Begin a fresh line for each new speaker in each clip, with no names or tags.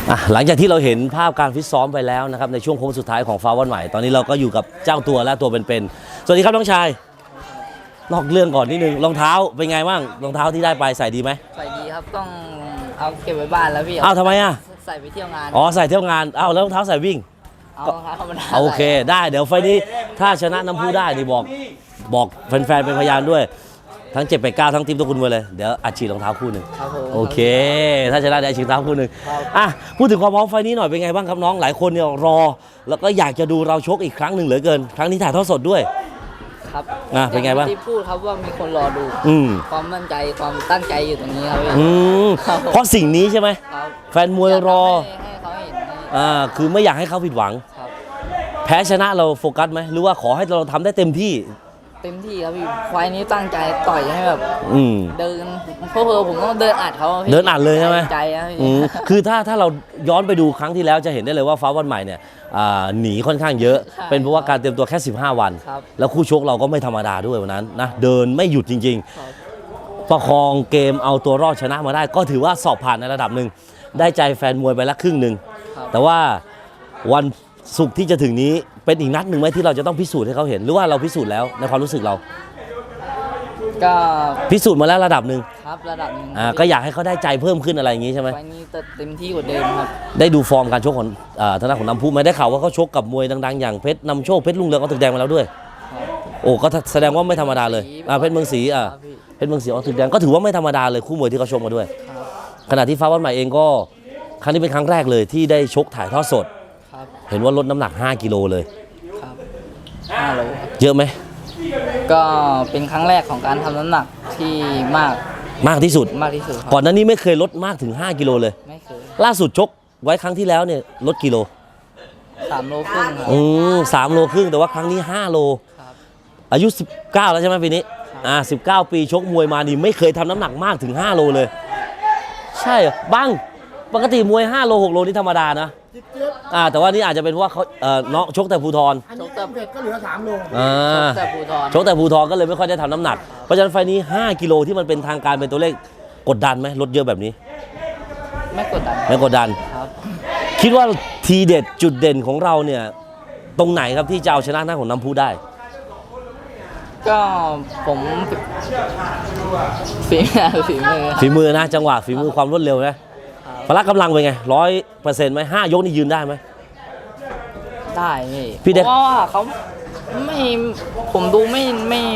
หลังจากที่เราเห็นภาพการฟิตซ้อมไปแล้วนะครับในช่วงโค้งสุดท้ายของฟ้าวันใหม่ตอนนี้เราก็อยู่กับเจ้าตัวและตัวเป็นๆสวัสดีครับน้องชายนอกเรื่องก่อนนิดนึงรองเท้าเป็นไงบ้างรองเท้าที่ได้ไปใส่ดีไหม
ใส่ดีครับต้องเอาเก็บไว้บ้านแล้วพี่
ทำไม
ใส่ไปเที่ยวงาน
ใส่เที่ยวงานแล้วรองเท้าใส่วิ่ง
เอาธรรมดา
โอเคได้เดี๋ยวไฟนี้ถ้าชนะน้ำพุได้นี่บอกแฟนๆเป็นพยานด้วยทั้ง789ทั้งทีมตัวคุณไปเลยเดี๋ยวอัดฉีดรองเท้าคู่หนึ่งโอเคถ้าชนะได้ฉีดรองเท้าคู่หนึ่งพูดถึงความพร้อมไฟนี้หน่อยเป็นไงบ้างครับน้องหลายคนเนี่ยรอแล้วก็อยากจะดูเราชกอีกครั้งหนึ่งเหลือเกินครั้งนี้ถ่ายทอดสดด้วย
ครับ
เป็นไงบ้าง
ที่พูดครับว่ามีคนรอดูความมั่นใจความตั้งใจอยู่ตรงนี้
ครับเพราะสิ่งนี้ใช่ไหมแฟนมวยรอ
ให้เขาเห็น
คือไม่อยากให้เขาผิดหวังแพ้ชนะเราโฟกัสไหมหรือว่าขอให้เราทำได้เต็มที่
ครับพี่ไฟนี้ตั้งใจต่อยให้แบบเดินเพราะผมต้องเดินอัดเขา
เดินอัดเลยใช่ไหม
ใจ
คือถ้าเราย้อนไปดูครั้งที่แล้วจะเห็นได้เลยว่าฟ้าวันใหม่เนี่ยหนีค่อนข้างเยอะเป็นเพราะว่าการเตรียมตัวแค่15วันแล้วคู่ชกเราก็ไม่ธรรมดาด้วยวันนั้นนะเดินไม่หยุดจริงๆประคองเกมเอาตัวรอดชนะมาได้ก็ถือว่าสอบผ่านในระดับหนึ่งได้ใจแฟนมวยไปละครึ่งหนึ่งแต่ว่าวันศุกร์ที่จะถึงนี้เป็นอีกนัดหนึ่งไหมที่เราจะต้องพิสูจน์ให้เขาเห็นหรือว่าเราพิสูจน์แล้วในความรู้สึกเรา
ก็
พิสูจน์มาแล้วระดับหนึ่ง
ครับระดับหนึ่ง
ก็อยากให้เขาได้ใจเพิ่มขึ้นอะไรอย่างนี้ใช่ไหม
ไฟนี้เต็มที่กว่าเดิมครับ
ได้ดูฟอร์มการชกของทางด้านของน้ำพุไหมได้ข่าวว่าเขาชกกับมวยดังๆอย่างเพชรนำโชคเพชรลุงเรืองเอาตึกแดงมาแล้วด้วยโอ้ก็แสดงว่าไม่ธรรมดาเลยเพชรเมืองศรีเพชรเมืองศรีเอาตึกแดงก็ถือว่าไม่ธรรมดาเลยคู่มวยที่เขาชกมาด้วยขณะที่ฟ้าวันใหม่เองก็ครั้งนี้เป็นครั้งแรกเลยที่ได้ชกถ่ายทอดสดเห็นว่าลดน้ำหนัก5 กิโลเลย
ครับ5 โล
เยอะไหม
ก็เป็นครั้งแรกของการทำน้ำหนักที่มาก
ที่สุดก่อนหน้านี้ไม่เคยลดมากถึง5 กิโลเลย
ไม่เคย
ล่าสุดชกไว้ครั้งที่แล้วเนี่ยลดกิโล
3 โลครึ่ง
3 โลครึ่งแต่ว่าครั้งนี้5 โลอายุ19แล้วใช่ไหมปีนี้19 ปีชกมวยมานี่ไม่เคยทำน้ำหนักมากถึง5 โลเลยใช่บังปกติมวย5 โล 6 โลนี่ธรรมดานะแต่ว่านี่อาจจะเป็นว่าเขาเนาะชกแต่ภูทร
ชกแต่เด็กก็เหลือ3 โล
ชกแต่ภูทรก็เลยไม่ค่อยได้ทำน้ำหนักเพราะฉะนั้นไฟนี้5 กิโลที่มันเป็นทางการเป็นตัวเลขกดดันไหมลดเยอะแบบนี้
ไม่กด
ดันครับคิดว่าทีเด็ดจุดเด่นของเราเนี่ยตรงไหนครับที่จะเอาชนะหน้าของน้ำพุได้
ก็ผมฝีมือ
นะจังหวะฝีมือความรวดเร็วนะพละกำลังเป็นไง100%ไหม5 ยกนี่ยืนได้ไหม
ได้พี่เพราะว่าเขาไม่ผมดูไม่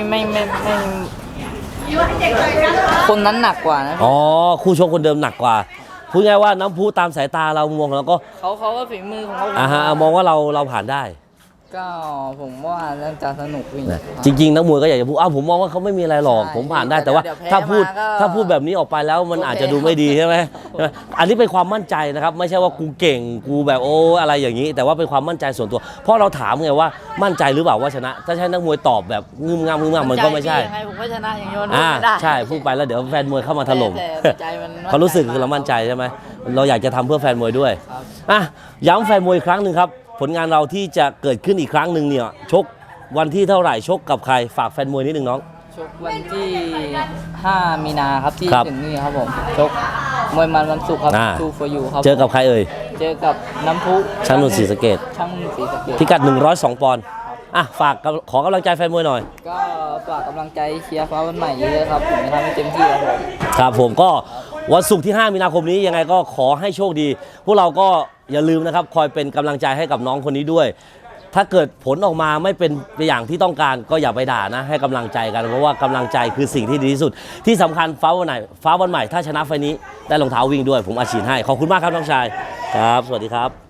คนนั้นหนักกว่านะ
คู่ชกคนเดิมหนักกว่าพูดง่ายว่าน้ำพุตามสายตาเรามองแล้วก็
เขาก็ฝีมือของเขา
มองว่าเราผ่านได้
ก็ผมว่าน่าจะสนุก
จริงๆนักมวยก็อยากจะพูดผมมองว่าเขาไม่มีอะไรหรอกผมผ่านได้แต่ว่าถ้าพูดแบบนี้ออกไปแล้วมันอาจจะดูไม่ดีใช่ไหมอันนี้เป็นความมั่นใจนะครับไม่ใช่ว่ากูเก่งกูแบบอะไรอย่างนี้แต่ว่าเป็นความมั่นใจส่วนตัวเพราะเราถามไงว่ามั่นใจหรือเปล่าว่าชนะถ้าใช่นักมวยตอบแบบงึมงำมันก็ไม่ใช่
ผมก็ชนะอย่างนี้ไม่ได้
ใช่พูดไปแล้วเดี๋ยวแฟนมวยเข้ามาถล่มเขารู้สึกคือเรามั่นใจใช่ไหมเราอยากจะทำเพื่อแฟนมวยด้วยย้ำแฟนมวยอีกครั้งหนึ่งครับผลงานเราที่จะเกิดขึ้นอีกครั้งหนึ่งเนี่ยชกวันที่เท่าไหร่ชกกับใครฝากแฟนมวยนิดนึงน้อง
ชกวันที่5 มีนาครับที่ถึงนี่ครับผมชกมวยมันวันศุกร์ครับทูฟอร์ยูครับ
เจอกับใครเอ่ย
เจอกับน้ำพุ
ช่างนุ่นศรีสะเกษพิกัด102 ปอนด์ฝากขอกำลังใจแฟนมวยหน่อย
ก็ฝากกำลังใจเชียร์ฟ้าวันใหม่เยอะครับผมจะทำให้เต็มที่
ครับผมก็วันศุกร์ที่5 มีนาคมนี้ยังไงก็ขอให้โชคดีพวกเราก็อย่าลืมนะครับคอยเป็นกำลังใจให้กับน้องคนนี้ด้วยถ้าเกิดผลออกมาไม่เป็นไปอย่างที่ต้องการก็อย่าไปด่านะให้กำลังใจกันเพราะว่ากำลังใจคือสิ่งที่ดีที่สุดที่สำคัญฟ้าวันใหม่ถ้าชนะไฟนี้ได้รองเท้าวิ่งด้วยผมอาชีพให้ขอบคุณมากครับน้องชายครับสวัสดีครับ